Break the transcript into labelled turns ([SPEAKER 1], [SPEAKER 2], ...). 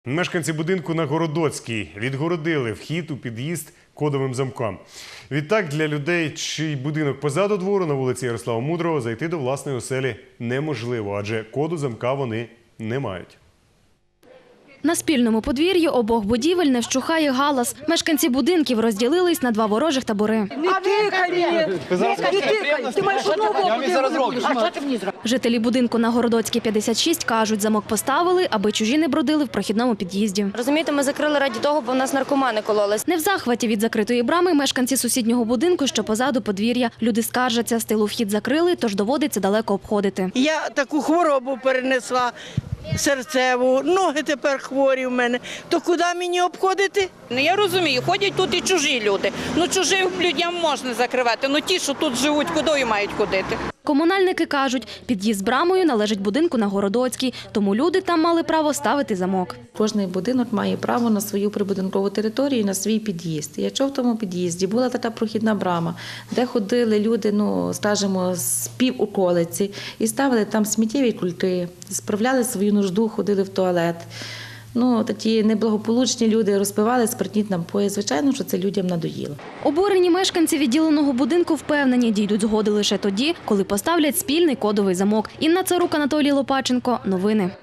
[SPEAKER 1] Мешканці будинку на Городоцькій відгородили вхід у під'їзд кодовим замком. Відтак для людей, чий будинок позаду двору на вулиці Ярослава Мудрого, зайти до власної оселі неможливо, адже коду замка вони не мають.
[SPEAKER 2] На спільному подвір'ї обох будівель не вщухає галас. Мешканці будинків розділились на два ворожих табори. Жителі будинку на Городоцькій 56 кажуть, замок поставили, аби чужі не бродили в прохідному під'їзді.
[SPEAKER 3] Розумієте, ми закрили раді того, бо в нас наркомани кололись.
[SPEAKER 2] Не в захваті від закритої брами мешканці сусіднього будинку, що позаду подвір'я. Люди скаржаться, з тилу вхід закрили, тож доводиться далеко обходити.
[SPEAKER 4] Я таку хворобу перенесла, серцеву, ноги тепер хворі в мене. То куди мені обходити?
[SPEAKER 5] Я розумію, ходять тут і чужі люди. Чужим людям можна закривати, ті, що тут живуть, куди мають ходити.
[SPEAKER 2] Комунальники кажуть, під'їзд з брамою належить будинку на Городоцькій, тому люди там мали право ставити замок.
[SPEAKER 6] Кожний будинок має право на свою прибудинкову територію, на свій під'їзд. Якщо в тому під'їзді була така прохідна брама, де ходили люди, скажімо, з півоколиці і ставили там сміттєві кульки, справляли свою нужду, ходили в туалет. Такі неблагополучні люди розпивали спиртні напої. Звичайно, що це людям надоїло.
[SPEAKER 2] Обурені мешканці відділеного будинку впевнені, дійдуть згоди лише тоді, коли поставлять спільний кодовий замок. Інна Царук, Анатолій Лопаченко. Новини.